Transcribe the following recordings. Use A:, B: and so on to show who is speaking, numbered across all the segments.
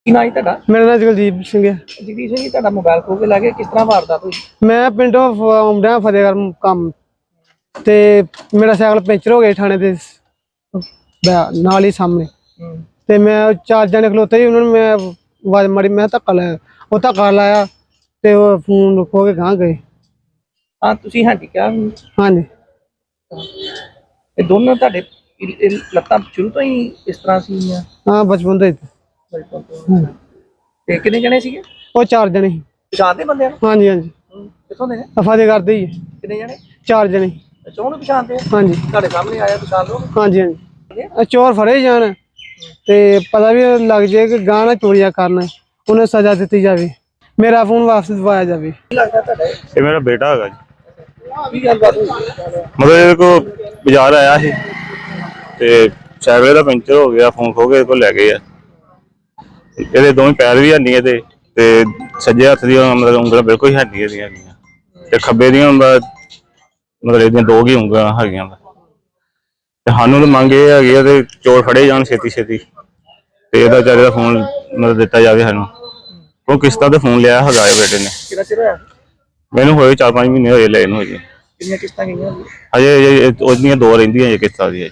A: ਕੀ ਨਾਂ ਜੀ ਤੁਹਾਡਾ?
B: ਮੇਰਾ ਨਾਮ ਜਗਦੀਪ ਸਿੰਘ ਹੈ।
A: ਜਗਦੀਪ ਸਿੰਘ ਜੀ, ਤੁਹਾਡਾ ਮੋਬਾਈਲ ਖੋ ਕੇ ਲੈ ਗਏ, ਕਿਸ ਤਰ੍ਹਾਂ ਵਾਰਦਾਤ ਹੋਈ?
B: ਮੈਂ ਪਿੰਡੋਂ ਆਉਂਦਾ ਫਤਿਹਗੜ੍ਹ ਕੰਮ ਤੇ ਮੇਰਾ ਸਾਈਕਲ ਪੈਂਚਰ ਹੋ ਗਿਆ ਥਾਣੇ ਦੇ ਨਾਲ ਹੀ ਸਾਹਮਣੇ। ਤੇ ਮੈਂ 4 ਜਣੇ ਖਲੋਤੇ ਸੀ, ਉਹਨਾਂ ਨੂੰ ਮੈਂ ਆਵਾਜ਼ ਮਾਰੀ, ਮੈਂ ਧੱਕਾ ਲਾਇਆ, ਉਹ ਧੱਕਾ ਲਾਇਆ ਤੇ ਉਹ ਫੋਨ ਖੋ ਕੇ ਗਾਂ ਗਏ।
A: ਹਾਂ, ਤੁਸੀਂ ਹੈਂਡੀਕੈਪ?
B: ਹਾਂਜੀ।
A: ਇਹ ਦੋਨੋਂ ਤੁਹਾਡੇ ਲੱਤਾਂ ਸ਼ੁਰੂ ਤੋਂ ਹੀ ਇਸ ਤਰ੍ਹਾਂ ਸੀਗੀਆਂ?
B: ਹਾਂ, ਬਚਪਨ ਤੋਂ ਹੀ।
A: ਤੇ ਕਿੰਨੇ ਜਣੇ ਸੀਗੇ?
B: ਉਹ 4 ਜਣੇ ਸੀ।
A: ਪਛਾਣਦੇ ਬੰਦਿਆਂ ਨੂੰ?
B: ਹਾਂਜੀ ਹਾਂਜੀ।
A: ਕਿੱਥੋਂ ਦੇ ਨੇ?
B: ਫਤਿਹਗੜ੍ਹ ਦੇ ਹੀ।
A: ਕਿੰਨੇ ਜਣੇ?
B: 4 ਜਣੇ।
A: ਅੱਛਾ, ਉਹਨੂੰ ਪਛਾਣਦੇ?
B: ਹਾਂਜੀ।
A: ਤੁਹਾਡੇ ਸਾਹਮਣੇ ਆਇਆ, ਪਛਾਣ ਲਓ?
B: ਹਾਂਜੀ ਹਾਂਜੀ। ਚੋਰ ਫੜੇ ਜਾਣ ਤੇ ਪਤਾ ਵੀ ਲੱਗ ਜਾਏ ਕਿ ਗਾਂ ਨਾ ਚੋਰੀਆਂ ਕਰਨ, ਉਹਨੇ ਸਜ਼ਾ ਦਿੱਤੀ ਜਾਵੇ, ਮੇਰਾ ਫੋਨ ਵਾਪਸ ਦਿਵਾਇਆ ਜਾਵੇ।
A: ਕੀ ਲੱਗਦਾ ਤੁਹਾਡਾ?
C: ਇਹ ਮੇਰਾ ਬੇਟਾ ਹੈਗਾ ਜੀ।
A: ਕੀ ਗੱਲਬਾਤ ਹੋਈ?
C: ਮਤਲਬ ਇਹਦੇ ਕੋਲ ਬਾਜ਼ਾਰ ਆਇਆ ਸੀ ਤੇ ਸਾਈਕਲ ਦਾ ਪੈਂਚਰ ਹੋ ਗਿਆ, ਫੋਨ ਖੋ ਕੇ ਇਹਦੇ ਕੋਲ ਲੈ ਗਏ ਆ। ਇਹਦੇ ਦੋਵੇਂ ਪੈਰ ਵੀ ਹੈ ਨਹੀਂ ਇਹਦੇ, ਤੇ ਸੱਜੇ ਹੱਥ ਦੀਆਂ ਮਤਲਬ ਉਂਗਲਾਂ ਬਿਲਕੁਲ ਹੀ ਹੈ ਨਹੀਂ ਇਹਦੀਆਂ, ਤੇ ਖੱਬੇ ਦੀਆਂ ਮਤਲਬ ਇਹਦੀਆਂ 2 ਹੀ ਉਂਗਲਾਂ ਹੈਗੀਆਂ। ਤੇ ਸਾਨੂੰ ਤਾਂ ਮੰਗ ਇਹ ਹੈਗੀ ਆ ਤੇ ਚੋਰ ਫੜੇ ਜਾਣ ਛੇਤੀ ਛੇਤੀ, ਤੇ ਇਹਦਾ ਵਿਚਾਰੇ ਦਾ ਫੋਨ ਮਤਲਬ ਦਿੱਤਾ ਜਾਵੇ ਸਾਨੂੰ। ਉਹ ਕਿਸ਼ਤਾਂ ਤੇ ਫੋਨ ਲਿਆ ਹੈਗਾ ਬੇਟੇ ਨੇ।
A: ਕਿੰਨਾ ਚਿਰ ਹੋਇਆ? ਮੈਨੂੰ
C: ਹੋਏ 4-5 ਮਹੀਨੇ ਹੋਏ ਲੈ ਇਹਨੂੰ। ਹਜੇ
A: ਕਿੰਨੀਆਂ ਕਿਸ਼ਤਾਂ ਗਈਆਂ?
C: ਹਜੇ ਉਹਦੀਆਂ 2 ਰਹਿੰਦੀਆਂ ਜੇ ਕਿਸ਼ਤਾਂ ਦੀਆਂ।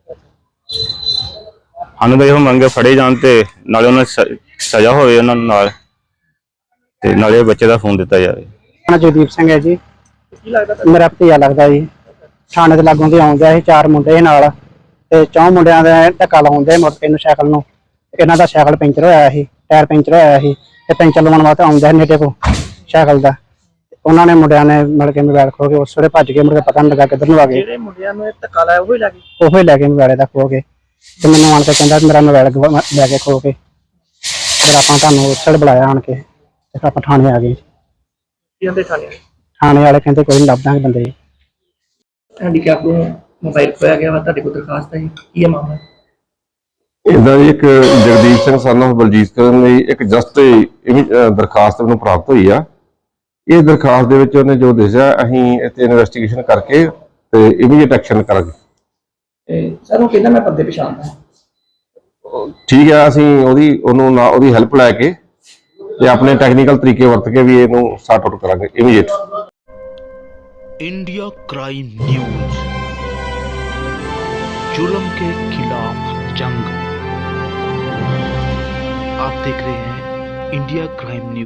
C: ਸਾਨੂੰ ਤਾਂ ਇਹੋ ਮੰਗ ਫੜੇ ਜਾਣ ਤੇ ਨਾਲੇ ਉਹਨਾਂ ਸਜ਼ਾ ਹੋਵੇ ਉਹਨਾਂ ਨੂੰ, ਨਾਲ ਤੇ ਨਾਲੇ ਬੱਚੇ ਦਾ ਫੋਨ ਦਿੱਤਾ ਜਾਵੇ।
B: ਜਗਦੀਪ ਸਿੰਘ ਹੈ ਜੀ।
A: ਕੀ ਲੱਗਦਾ?
B: ਮੇਰਾ ਭਤੀਜਾ ਲੱਗਦਾ ਜੀ। ਥਾਣੇ ਦੇ ਲਾਗੋਂ ਦੀ ਆਉਂਦਾ ਸੀ, 4 ਮੁੰਡੇ ਨਾਲ, ਤੇ 4 ਮੁੰਡਿਆਂ ਦਾ ਧੱਕਾ ਲਾਉਂਦੇ ਮੋਟਰਸਾਈਕਲ ਨੂੰ, ਸਾਈਕਲ ਨੂੰ। ਇਹਨਾਂ ਦਾ ਸਾਈਕਲ ਪੈਂਚਰ ਹੋਇਆ ਸੀ, ਟਾਇਰ ਪੈਂਚਰ ਹੋਇਆ ਸੀ, ਤੇ ਪੈਂਚਰ ਲਵਾਉਣ ਵਾਸਤੇ ਆਉਂਦਾ ਸੀ ਨੇੜੇ ਕੋ ਸਾਈਕਲ ਦਾ। ਉਹਨਾਂ ਨੇ ਮੁੰਡਿਆਂ ਨੇ ਮਿਲ ਕੇ ਮੋਬਾਈਲ ਖੋ ਕੇ ਉਸ ਵੇਲੇ ਭੱਜ ਗਏ, ਮੁੜ ਕੇ ਪਤਾ ਨਹੀਂ ਲੱਗਾ ਕਿੱਧਰ ਨੂੰ ਆ ਗਏ।
A: ਜਿਹੜੇ ਮੁੰਡਿਆਂ ਨੂੰ ਇਹ ਧੱਕਾ ਲਾਇਆ ਉਹ ਹੀ ਲੈ ਗਏ?
B: ਉਹ ਹੀ ਲੈ ਕੇ ਮੋਬਾਈਲ ਦਾ ਖੋ ਕੇ, ਤੇ ਮੈਨੂੰ ਆਣ ਕੇ ਕਹਿੰਦਾ ਮੇਰਾ ਮੋਬਾਈਲ ਲੈ ਕੇ ਖੋ ਕੇ। ਫਿਰ ਆਪਾਂ ਤੁਹਾਨੂੰ ਉਸ ਵੇਲੇ ਬੁਲਾਇਆ ਆਣ ਕੇ, ਤੇ ਆਪਾਂ ਥਾਣੇ ਆ ਗਏ।
A: ਕੀ ਕਹਿੰਦੇ ਥਾਣੇ?
B: ਥਾਣੇ ਵਾਲੇ ਕਹਿੰਦੇ ਕੋਈ ਨਹੀਂ, ਲੱਭ ਦਾਂਗੇ ਬੰਦੇ।
A: ਹੈਂਡੀਕੈਪ ਨੂੰ ਮੋਬਾਈਲ ਖੋਇਆ ਗਿਆ ਵਾ, ਤੁਹਾਡੇ ਕੋਲ ਦਰਖਾਸਤ ਹੈ ਜੀ, ਕੀ ਹੈ ਮਾਮਲਾ?
D: ਇਦਾਂ ਦੀ ਇੱਕ ਜਗਦੀਪ ਸਿੰਘ son of ਬਲਜੀਤ ਕਰਨ ਦੀ ਇੱਕ ਜਸਟ ਦਰਖਾਸਤ ਨੂੰ ਪ੍ਰਾਪਤ ਹੋਈ ਆ। ਇਹ ਦਰਖਾਸਤ ਦੇ ਵਿੱਚ ਉਹਨੇ ਜੋ ਦੱਸਿਆ, ਅਸੀਂ ਇੱਥੇ ਇਨਵੈਸਟੀਗੇਸ਼ਨ ਕਰਕੇ ਤੇ ਇਮੀਡੀਏਟ ਐਕਸ਼ਨ ਕਰਾਂਗੇ।
A: ਸਰ ਉਹ ਕਹਿੰਦਾ ਮੈਂ ਬੰਦੇ ਪਛਾਣਦਾ।
D: ਠੀਕ ਹੈ, ਅਸੀਂ ਉਹਦੀ ਹੈਲਪ ਲੈ ਕੇ ਤੇ ਆਪਣੇ ਟੈਕਨੀਕਲ ਤਰੀਕੇ ਵਰਤ ਕੇ ਵੀ ਇਹਨੂੰ ਸੌਰਟ ਆਊਟ ਕਰਾਂਗੇ ਇਮੀਡੀਏਟ।
E: इंडिया क्राइम न्यूज, जुल्म के खिलाफ जंग। आप देख रहे हैं इंडिया क्राइम न्यूज।